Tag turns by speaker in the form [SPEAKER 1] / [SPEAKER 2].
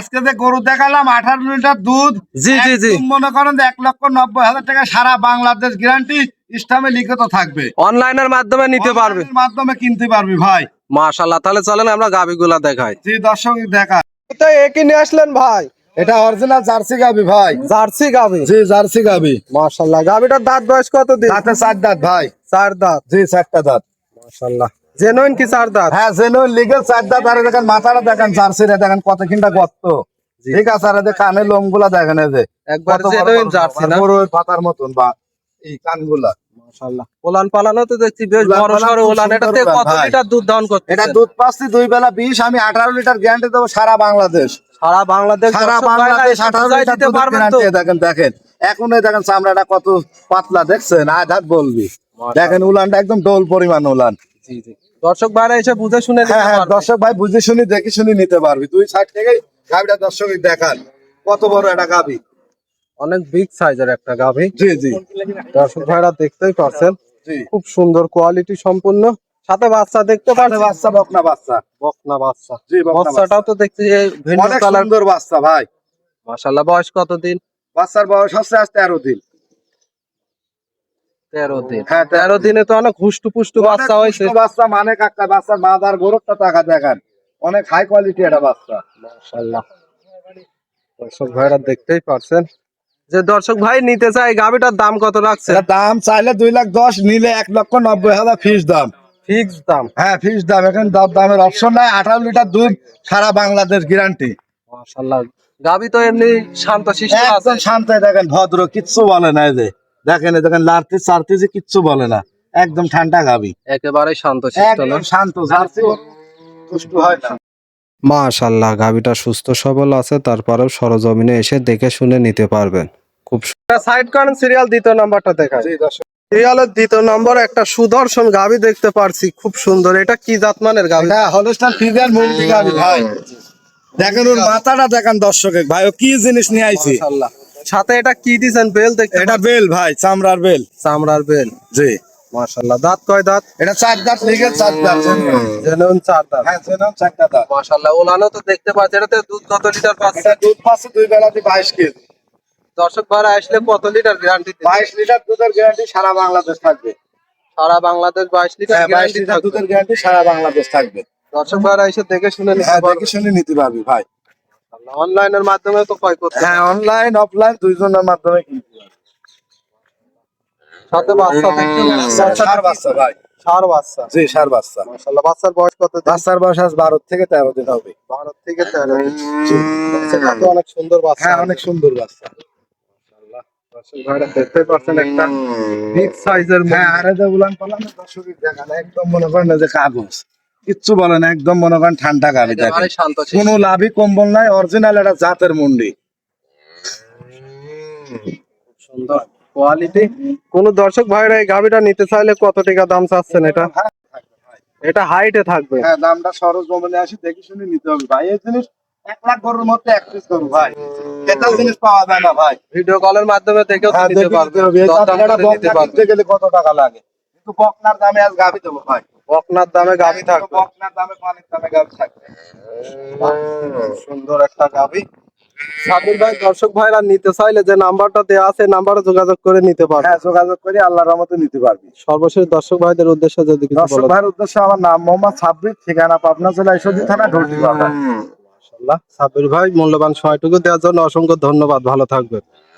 [SPEAKER 1] আজকে যে গরু দেখালাম 18 লিটার দুধ,
[SPEAKER 2] জি জি জি,
[SPEAKER 1] মনে করেন 1,90,000 টাকা সারা বাংলাদেশ গ্যারান্টি ইসলামে লিখিত থাকবে।
[SPEAKER 2] অনলাইনের মাধ্যমে নিতে পারবে,
[SPEAKER 1] অনলাইনের মাধ্যমে কিনতে পারবি ভাই।
[SPEAKER 2] মাশাআল্লাহ। তাহলে চলেন আমরা গাবিগুলা দেখাই।
[SPEAKER 1] জি দর্শক দেখা,
[SPEAKER 2] এটা একই নিয়ে আসলেন ভাই?
[SPEAKER 1] এটা অরিজিনাল জার্সি গাবি ভাই।
[SPEAKER 2] জার্সি গাবি?
[SPEAKER 1] জি জার্সি গাবি।
[SPEAKER 2] মাশাআল্লাহ। গাবিটার দাঁত বয়স কত দিন?
[SPEAKER 1] দাঁতে 4 দাঁত ভাই।
[SPEAKER 2] 4 দাঁত?
[SPEAKER 1] জি 4টা দাঁত।
[SPEAKER 2] মাশাআল্লাহ। জেনুইন কি 4 দাঁত?
[SPEAKER 1] হ্যাঁ জেনুইন লিগ্যাল 4 দাঁত। আর দেখেন মাথাটা দেখেন, জার্সিটা দেখেন কত কিনটা গর্ত, ঠিক আছে। আর এই কানের লোমগুলা দেখেন, এই যে
[SPEAKER 2] একবার জেনুইন জার্সি না,
[SPEAKER 1] বড় পাতার মতন বা এই কানগুলা
[SPEAKER 2] মাশাআল্লাহ। ওলান পালানো তো দেখছি বেশ বড় সরো ওলান। এটাতে কত লিটার দুধ দান করতে?
[SPEAKER 1] এটা দুধ পাচ্ছি 2 বেলা 20, আমি 18 লিটার গ্যারান্টি দেবো সারা বাংলাদেশ।
[SPEAKER 2] সারা বাংলাদেশ?
[SPEAKER 1] সারা বাংলাদেশ 18 লিটার দুধ গ্যারান্টি। দেখেন দেখেন এখন এই দেখেন চামড়াটা কত পাতলা, দেখছেন? আধ হাত বলবি। দেখেন উলানটা একদম ডোল পরিমাণ উলান।
[SPEAKER 2] জি জি, দর্শক ভাইরা এসে বুঝে শুনে নিতে পারবে।
[SPEAKER 1] দর্শক ভাই বুঝে শুনি দেখে শুনি নিতে পারবি। 2 সাইড থেকে গাবিটা দর্শক দেখান কত বড় একটা গাবি,
[SPEAKER 2] অনেক বিগ সাইজের একটা গাভী।
[SPEAKER 1] জি জি
[SPEAKER 2] দর্শক ভাইরা দেখতেই পাচ্ছেন,
[SPEAKER 1] জি
[SPEAKER 2] খুব সুন্দর কোয়ালিটি সম্পূর্ণ। সাথে বাচ্চা দেখতে পাচ্ছেন,
[SPEAKER 1] বাচ্চা বকনা বাচ্চা।
[SPEAKER 2] বকনা বাচ্চা।
[SPEAKER 1] জি বকনা
[SPEAKER 2] বাচ্চাটাও তো দেখছি ভিন্ন
[SPEAKER 1] অনেক
[SPEAKER 2] কালার।
[SPEAKER 1] সুন্দর বাচ্চা ভাই।
[SPEAKER 2] মাশাআল্লাহ। বয়স কত দিন?
[SPEAKER 1] বাচ্চার বয়স হচ্ছে আজ 13 দিন।
[SPEAKER 2] 13 দিন?
[SPEAKER 1] হ্যাঁ
[SPEAKER 2] 13 দিনে তো অনেক হুষ্টু পুষ্টু বাচ্চা হয়েছে।
[SPEAKER 1] বাচ্চা মানে কাকা, বাচ্চার মাদার গরুটা টাকা দেখেন, অনেক হাই কোয়ালিটি একটা বাচ্চা।
[SPEAKER 2] মাশাআল্লাহ। দর্শক ভাইরা দেখতেই পাচ্ছেন, যে দর্শক ভাই নিতে চাই গাভীটার দাম কত রাখছে?
[SPEAKER 1] এটার দাম চাইলে 2,10,000, নিলে 1,90,000 ফিক্স দাম।
[SPEAKER 2] ফিক্স দাম?
[SPEAKER 1] হ্যাঁ ফিক্স দাম। এখন দামের অপশন নাই। 18 লিটার দুধ, সারা বাংলাদেশ গ্যারান্টি।
[SPEAKER 2] মাশাআল্লাহ। গাভী তো এমনি শান্ত শিষ্ট আছে?
[SPEAKER 1] একদম শান্ত, দেখেন ভদ্র, কিচ্ছু বলে না। এই যে দেখেন, এই দেখেন লাড়তে চাড়তে যে কিচ্ছু বলে না, একদম ঠান্ডা গাভী,
[SPEAKER 2] একেবারে শান্ত শিষ্ট না?
[SPEAKER 1] একদম শান্ত। জার্সি দুষ্টু হয় না।
[SPEAKER 2] মাশাআল্লাহ। গাভীটা সুস্থ সবল আছে, তারপরেও সরজমিনে এসে দেখে শুনে নিতে পারবেন। খুব সাইড করেন, সিরিয়াল দ্বিতীয় নাম্বারটা দেখায়।
[SPEAKER 1] জি দর্শক,
[SPEAKER 2] সিরিয়ালের দ্বিতীয় নম্বর একটা সুদর্শন গাভী দেখতে পারছি, খুব সুন্দর। এটা কি জাতমানের গাভী?
[SPEAKER 1] এটা হলস্টাইন ফ্রিজিয়ান মুরগি গাভী ভাই। দেখেন ওর মাথাটা দেখেন দর্শকে ভাই, ও কি জিনিস নিয়ে আইছি।
[SPEAKER 2] মাশাআল্লাহ। সাথে এটা কি দিছেন? বেল দেখতে?
[SPEAKER 1] এটা বেল ভাই, চামড়ার বেল।
[SPEAKER 2] চামড়ার বেল?
[SPEAKER 1] জি
[SPEAKER 2] মাশাআল্লাহ। দাঁত কয় দাঁত?
[SPEAKER 1] এটা 4 দাঁত, লিগেল 4 দাঁত।
[SPEAKER 2] জেনুইন 4 দাঁত?
[SPEAKER 1] হ্যাঁ জেনুইন 4টা দাঁত।
[SPEAKER 2] মাশাআল্লাহ। ওলানো তো দেখতে পাচ্ছি। এটাতে দুধ কত লিটার পাচ্ছে?
[SPEAKER 1] এটা দুধ পাচ্ছে 2 বেলাতে 22 কেজি।
[SPEAKER 2] দর্শক ভাইরা আসলে কত লিটার গ্যারান্টি?
[SPEAKER 1] 22 লিটার দুধের গ্যারান্টি সারা বাংলাদেশ থাকবে।
[SPEAKER 2] সারা বাংলাদেশ 22 লিটার
[SPEAKER 1] হ্যাঁ 22
[SPEAKER 2] গ্যারান্টি
[SPEAKER 1] লিটার
[SPEAKER 2] থাকবে।
[SPEAKER 1] দুধের গ্যারান্টি সারা বাংলাদেশ থাকবে।
[SPEAKER 2] দর্শক ভাইরা এসে দেখে শুনে নিতে
[SPEAKER 1] হ্যাঁ
[SPEAKER 2] পারবে।
[SPEAKER 1] দেখে শুনে নিতে পারবি ভাই।
[SPEAKER 2] অনলাইনের মাধ্যমে তো ক্রয় করতে?
[SPEAKER 1] হ্যাঁ অনলাইন অফলাইন দুইজনের মাধ্যমে কিনতে পারবি।
[SPEAKER 2] সাথে বাচ্চা দেখতে
[SPEAKER 1] ষাঁড় বাচ্চা ভাই।
[SPEAKER 2] ষাঁড় বাচ্চা?
[SPEAKER 1] জি ষাঁড় বাচ্চা।
[SPEAKER 2] মাশাআল্লাহ। বাচ্চার বয়স কত দিন?
[SPEAKER 1] বাচ্চার বয়স আজ 12 থেকে 13 দিন হবে।
[SPEAKER 2] 12 থেকে 13 দিন। বাচ্চাটা তো অনেক সুন্দর বাচ্চা।
[SPEAKER 1] হ্যাঁ অনেক সুন্দর বাচ্চা।
[SPEAKER 2] মাশাআল্লাহ। দর্শক ভাইরা দেখতে পাচ্ছেন একটা বিগ সাইজের।
[SPEAKER 1] হ্যাঁ আরে যে উলান পালান দর্শকের দেখান, একদম মনে করেন না যে কাগজ, কিচ্ছু বলে না, একদম মনে করেন ঠান্ডা গাভী। দেখেন
[SPEAKER 2] একেবারে শান্ত শিষ্ট।
[SPEAKER 1] কোনো লাভই কম্বল নাই, অরিজিনাল একটা জাতের মুন্ডি।
[SPEAKER 2] সুন্দর কোয়ালিটি। কোন দর্শক ভাইরা এই গাভীটা নিতে চাইলে কত টাকা দাম চাচ্ছেন? এটা এটা হাইটে থাকবে?
[SPEAKER 1] হ্যাঁ দামটা সরজ জমিনে আসি দেখে শুনে নিতে হবে ভাই। এই জিনিস 1 লাখ গরুর মধ্যে 1 পিস গরু ভাই, এটাও জিনিস পাওয়া যায় না ভাই।
[SPEAKER 2] ভিডিও কলের মাধ্যমে দেখেও
[SPEAKER 1] হ্যাঁ
[SPEAKER 2] নিতে
[SPEAKER 1] দেখে
[SPEAKER 2] পারবে।
[SPEAKER 1] নিতে হবে। এই
[SPEAKER 2] দরদাম
[SPEAKER 1] জাতটা
[SPEAKER 2] করে নিতে
[SPEAKER 1] বকনা
[SPEAKER 2] পারবে।
[SPEAKER 1] কিনতে গেলে কত টাকা লাগে, কিন্তু বকনার দামে আজ গাভী দেবো ভাই।
[SPEAKER 2] বকনার দামে গাভী থাকবে?
[SPEAKER 1] বকনার দামে পানির দামে গাভী থাকবে।
[SPEAKER 2] সুন্দর একটা গাভী। সাবির ভাই, দর্শক ভাইরা নিতে চাইলে যে নাম্বারটা দেওয়া আছে, নাম্বারে যোগাযোগ করে নিতে পারবে।
[SPEAKER 1] হ্যাঁ যোগাযোগ করে আল্লাহর রহমতে নিতে পারবি।
[SPEAKER 2] সর্বশেষ দর্শক ভাইদের উদ্দেশ্যে যদি কিছু
[SPEAKER 1] দর্শক
[SPEAKER 2] বলেন।
[SPEAKER 1] ভাইয়ের উদ্দেশ্যে, আমার নাম মোহাম্মদ সাব্বির, ঠিকানা পাবনা জেলা ঈশ্বরদী থানা, ঢোলটি বাজার।
[SPEAKER 2] মাশাআল্লাহ। সাবির ভাই, মূল্যবান সময়টুকু দেওয়ার জন্য অসংখ্য ধন্যবাদ। ভালো থাকবেন।